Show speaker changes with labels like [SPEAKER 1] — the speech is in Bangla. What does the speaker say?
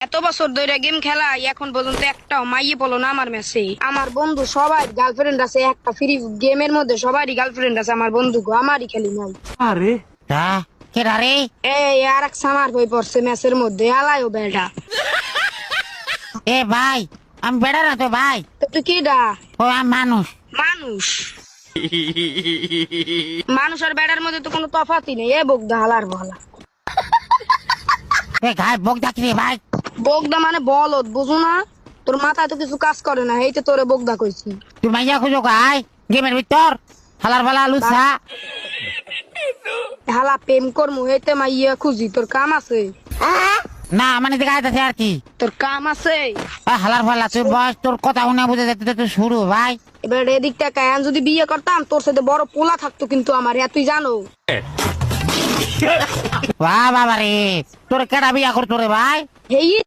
[SPEAKER 1] এত বছর ধরে গেম খেলা এখন পর্যন্ত একটাও মাইয়ে বলো না আমার মেসে। আমার বন্ধু সবাই গার্লফ্রেন্ড আছে, একটা ফ্রি গেমের মধ্যে সবারই গার্লফ্রেন্ড আছে, আমার বন্ধু গো আমারই খালি নাই।
[SPEAKER 2] আরে
[SPEAKER 3] কেডা রে?
[SPEAKER 1] এই আর এক সামার বই পড়ছে মেসের মধ্যে, আলাইও বেড়া।
[SPEAKER 3] এ ভাই, আমি বেড়া না তো ভাই,
[SPEAKER 1] তো তুই কিডা?
[SPEAKER 3] ও আমি মানুষ।
[SPEAKER 1] মানুষ? মানুষ আর বেড়ার মধ্যে তো কোনো তফাতই নেই। এ বগদা হালার বলা।
[SPEAKER 3] এ গায়ে বক ডাকি রে ভাই।
[SPEAKER 1] বগদা মানে বলদ, বুঝো না? তোর মাথায় তো কিছু কাজ করে না, এই তো তোরে বগদা কইছি।
[SPEAKER 3] তুই মাইয়া খুঁজো গাই গেমের ভিতর হালার বালা লুচা।
[SPEAKER 1] হালা প্রেম করমু হেতে মাইয়া খুঁজি, তোর কাম আছে?
[SPEAKER 3] না মানে গায়ে আছে আর কি,
[SPEAKER 1] তোর কাম আছে?
[SPEAKER 3] হালার ফালা তোর বয়স, তোর কথা শুনে বুঝে যেতে তো শুরু ভাই।
[SPEAKER 1] এবার এদিক থেকে আমি যদি বিয়ে করতাম তোর সাথে বড় পোলা থাকতো কিন্তু আমার, তুই জানো?
[SPEAKER 3] বাবা রে, তোর কেডা বিয়া করতো রে ভাই?
[SPEAKER 1] এই